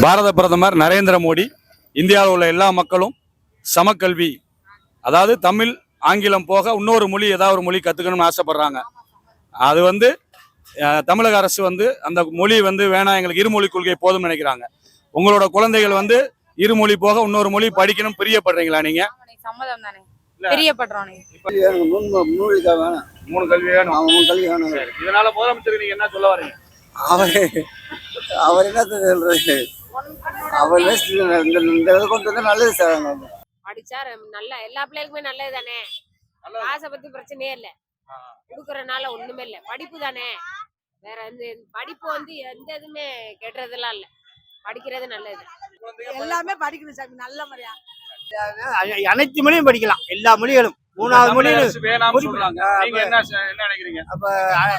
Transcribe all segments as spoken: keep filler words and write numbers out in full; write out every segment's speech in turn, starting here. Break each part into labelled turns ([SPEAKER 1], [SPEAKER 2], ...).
[SPEAKER 1] பாரத பிரதமர் நரேந்திர மோடி இந்தியாவில் உள்ள எல்லா மக்களும் சமக்கல்வி, அதாவது தமிழ் ஆங்கிலம் போக இன்னொரு மொழி ஏதாவது ஒரு மொழி கற்றுக்கணும்னு ஆசைப்படுறாங்க. அது வந்து தமிழக அரசு வந்து அந்த மொழி வந்து வேணாம், எங்களுக்கு இருமொழி கொள்கை போதும்னு நினைக்கிறாங்க. உங்களோட குழந்தைகள் வந்து இருமொழி போக இன்னொரு மொழி படிக்கணும் பிரியப்படுறீங்களா? நீங்க
[SPEAKER 2] சம்மதம் தானே? பிரியப்படுறோம்.
[SPEAKER 1] மூணு கல்வி வேணும். இதனால முதலமைச்சர் நீங்க என்ன சொல்ல வரீங்க?
[SPEAKER 3] அவர் அவர் என்ன சொல்றது, அவர் கொண்டு வந்து நல்லது சார்.
[SPEAKER 2] படிச்சா நல்ல எல்லா பிள்ளைகளுக்குமே நல்லது தானே. காசை பத்தி பிரச்சனையே இல்லை, கொடுக்கறதுனால ஒண்ணுமே இல்லை. படிப்பு தானே, வேற எந்த படிப்பு வந்து எந்த இதுவுமே கெட்டுறதெல்லாம் இல்லை. படிக்கிறது நல்லது.
[SPEAKER 4] எல்லாமே படிக்கணும் சாமி, நல்ல முறையா
[SPEAKER 3] அனைத்து மொழியும் படிக்கலாம், எல்லா மொழிகளும். மூணாவது மொழியும் அப்ப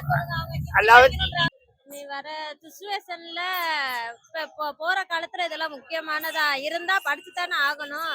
[SPEAKER 5] நீ வர சிச்சுவேஷன்ல இப்ப போற காலத்துல இதெல்லாம் முக்கியமானதா இருந்தா படிச்சுதானே ஆகணும்.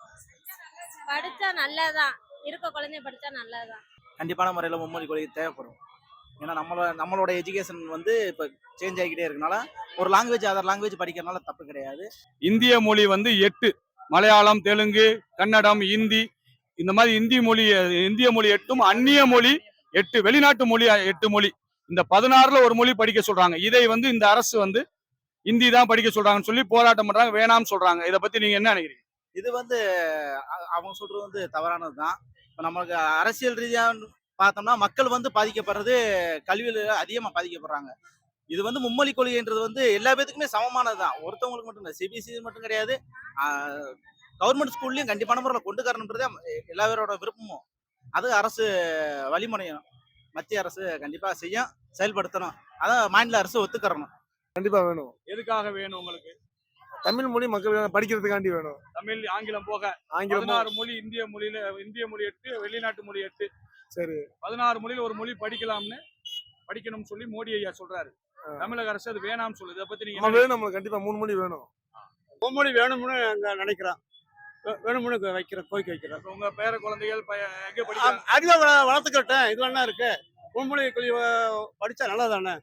[SPEAKER 5] படிச்சா நல்லதான், இருக்க குழந்தைய படிச்சா நல்லதான்.
[SPEAKER 6] கண்டிப்பான முறையில் மும்மொழி கொள்கை தேவைப்படும். ஏன்னா நம்மளோட நம்மளோட எஜுகேஷன் வந்து இப்போ சேஞ்ச் ஆகிக்கிட்டே இருக்கனால ஒரு லாங்குவேஜ் அதர் லாங்குவேஜ் படிக்கிறதுனால தப்பு கிடையாது.
[SPEAKER 1] இந்திய மொழி வந்து எட்டு, மலையாளம், தெலுங்கு, கன்னடம், ஹிந்தி, இந்த மாதிரி இந்தி மொழி இந்திய மொழி எட்டும், அந்நிய மொழி எட்டு, வெளிநாட்டு மொழி எட்டு மொழி. இந்த பதினாறுல ஒரு மொழி படிக்க சொல்றாங்க. இதை வந்து இந்த அரசு வந்து இந்தி தான் படிக்க சொல்றாங்கன்னு சொல்லி போராட்டம் பண்றாங்க, வேணாம்னு சொல்றாங்க. இதை பத்தி நீங்க என்ன நினைக்கிறீங்க?
[SPEAKER 6] இது வந்து அவங்க சொல்றது வந்து தவறானது தான். இப்போ நம்மளுக்கு அரசியல் ரீதியாக பார்த்தோம்னா மக்கள் வந்து பாதிக்கப்படுறது கல்வியில் அதிகமாக பாதிக்கப்படுறாங்க. இது வந்து மும்மொழி கொள்கைன்றது வந்து எல்லா பேத்துக்குமே சமமானது தான், ஒருத்தவங்களுக்கு மட்டும் இல்லை. சிபிஎஸ்சி மட்டும் கிடையாது, கவர்மெண்ட் ஸ்கூல்லையும் கண்டிப்பான முறையில் கொண்டு வரணுன்றது எல்லா பேரோட விருப்பமும். அது அரசு வழிமுறையும் மத்திய அரசு கண்டிப்பா செய்யும், செயல்படுத்தணும். அதான் மாநில அரசு ஒத்துக்கறணும்.
[SPEAKER 7] கண்டிப்பா வேணும்.
[SPEAKER 1] எதுக்காக வேணும் உங்களுக்கு?
[SPEAKER 7] தமிழ் மொழி மக்கள் படிக்கிறதுக்காண்டி வேணும்.
[SPEAKER 1] தமிழ் ஆங்கிலம் போக
[SPEAKER 7] ஆங்கிலம்
[SPEAKER 1] பதினாறு மொழி, இந்திய மொழியில இந்திய மொழி எட்டு, வெளிநாட்டு மொழி எட்டு.
[SPEAKER 7] சரி,
[SPEAKER 1] பதினாறு மொழியில ஒரு மொழி படிக்கலாம்னு படிக்கணும்னு சொல்லி மோடி ஐயா சொல்றாரு. தமிழக அரசு அது வேணாம்னு சொல்லுது. இதை பத்தி நீங்க
[SPEAKER 7] வேணும், நம்மளுக்கு கண்டிப்பா மூணு மொழி வேணும்.
[SPEAKER 3] மும்மொழி வேணும்னு அங்க நினைக்கிறோம், வேணும்னு வைக்கிற கோரிக்கை வைக்கிறோம்.
[SPEAKER 1] உங்க பேர குழந்தைகள் எங்க படிக்கிறாங்க?
[SPEAKER 3] அறிவை வளர்த்துக்கிட்டேன், இது என்ன இருக்கு, மும்மொழி கொள்கை படிச்சா நல்லதானே.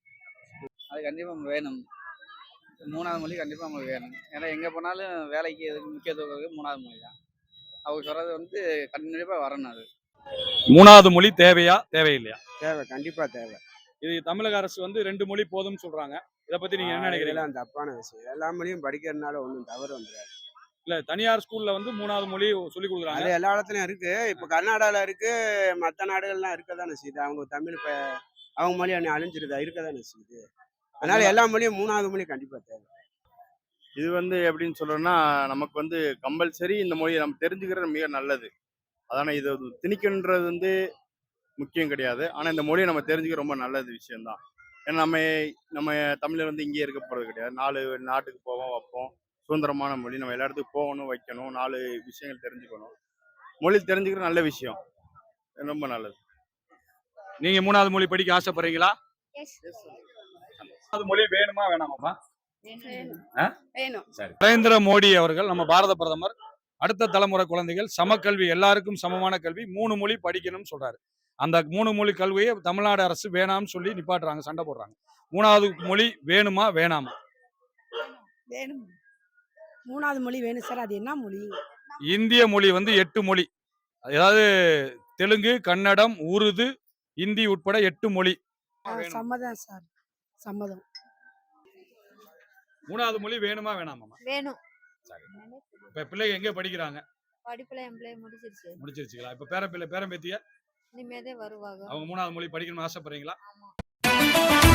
[SPEAKER 8] அது கண்டிப்பா வேணும். மூணாவது மொழி கண்டிப்பா நம்மளுக்கு வேணும். ஏன்னா எங்க போனாலும் வேலைக்கு எதுக்கு முக்கியத்துவம் மூணாவது மொழி தான். அவங்க சொல்றது வந்து கண்டிப்பா வரணும். அது
[SPEAKER 1] மூணாவது மொழி தேவையா தேவையில்லையா?
[SPEAKER 3] தேவை, கண்டிப்பா தேவை.
[SPEAKER 1] இது தமிழக அரசு வந்து ரெண்டு மொழி போதும்னு சொல்றாங்க. இதை பத்தி நீங்க என்ன நினைக்கிறீங்க?
[SPEAKER 3] தப்பான விஷயம். எல்லா மொழியும் படிக்கிறதுனால ஒன்றும் தவறு வந்துடாது.
[SPEAKER 1] இல்ல, தனியார் ஸ்கூல்ல வந்து மூணாவது மொழி சொல்லி கொடுக்குறாங்க.
[SPEAKER 3] அது எல்லா இடத்துலயும் இருக்கு. இப்ப கர்நாடகால இருக்கு, மற்ற நாடுகள்லாம் இருக்கதானே செய்யுது. அவங்க தமிழ் இப்ப அவங்க மொழி அணி அழிஞ்சிருதா இருக்கதானே செய்யுது. அதனால எல்லா மொழியும் மூணாவது மொழி கண்டிப்பா தேவை.
[SPEAKER 9] இது வந்து எப்படின்னு சொல்றோம்னா, நமக்கு வந்து கம்பல்சரி இந்த மொழியை நம்ம தெரிஞ்சுக்கிறது மிக நல்லது. அதான இது திணிக்கின்றது வந்து முக்கியம் கிடையாது. ஆனா இந்த மொழியை நம்ம தெரிஞ்சுக்க ரொம்ப நல்லது விஷயம்தான். ஏன்னா நம்ம நம்ம தமிழர் வந்து இங்கேயே இருக்க போறது கிடையாது. நாலு நாட்டுக்கு போவோம், வைப்போம். சுதந்திரமான மொழி, நம்ம எல்லா இடத்துக்கும் போகணும், வைக்கணும், நாலு விஷயங்கள் தெரிஞ்சுக்கணும். மொழி தெரிஞ்சுக்கிற நல்ல விஷயம், ரொம்ப நல்லது.
[SPEAKER 1] நீங்க மூணாவது மொழி படிக்க ஆசைப்படுறீங்களா? மூணாவது மொழி வேணுமா வேணாமா? நரேந்திர மோடி அவர்கள், நம்ம பாரத பிரதமர், அடுத்த தலைமுறை குழந்தைகள் சமக்கல்வி, எல்லாருக்கும் சமமான கல்வி, மூணு மொழி படிக்கணும்னு சொல்றாரு. அந்த மூணு மொழி கல்வியை தமிழ்நாடு அரசு வேணாம்னு சொல்லி நிப்பாட்டுறாங்க, சண்டை போடுறாங்க. மூணாவது மொழி வேணுமா வேணாமா?
[SPEAKER 4] வேணும். மூணாவது மொழி வேணும் சார். அது என்ன மொழி?
[SPEAKER 1] இந்திய மொழி வந்து எட்டு மொழி, அதாவது தெலுங்கு, கன்னடம், உருது, ஹிந்தி உட்பட எட்டு மொழி.
[SPEAKER 4] சம்மதம் சார், சம்மதம்.
[SPEAKER 1] மூணாவது மொழி வேணுமா வேணாமா?
[SPEAKER 5] வேணும்.
[SPEAKER 1] இப்ப பிள்ளைங்க எங்க படிக்கிறாங்க?
[SPEAKER 5] படிப்புல எம்ப்ளாய் முடிச்சிருச்சு.
[SPEAKER 1] முடிச்சிருச்சுங்களா? இப்ப பேர பிள்ளை பேரம் பேத்திய
[SPEAKER 5] இனிமேதே வருவாங்க.
[SPEAKER 1] அவங்க மூணாவது மொழி படிக்கணும்னு ஆசைப்படுறீங்களா?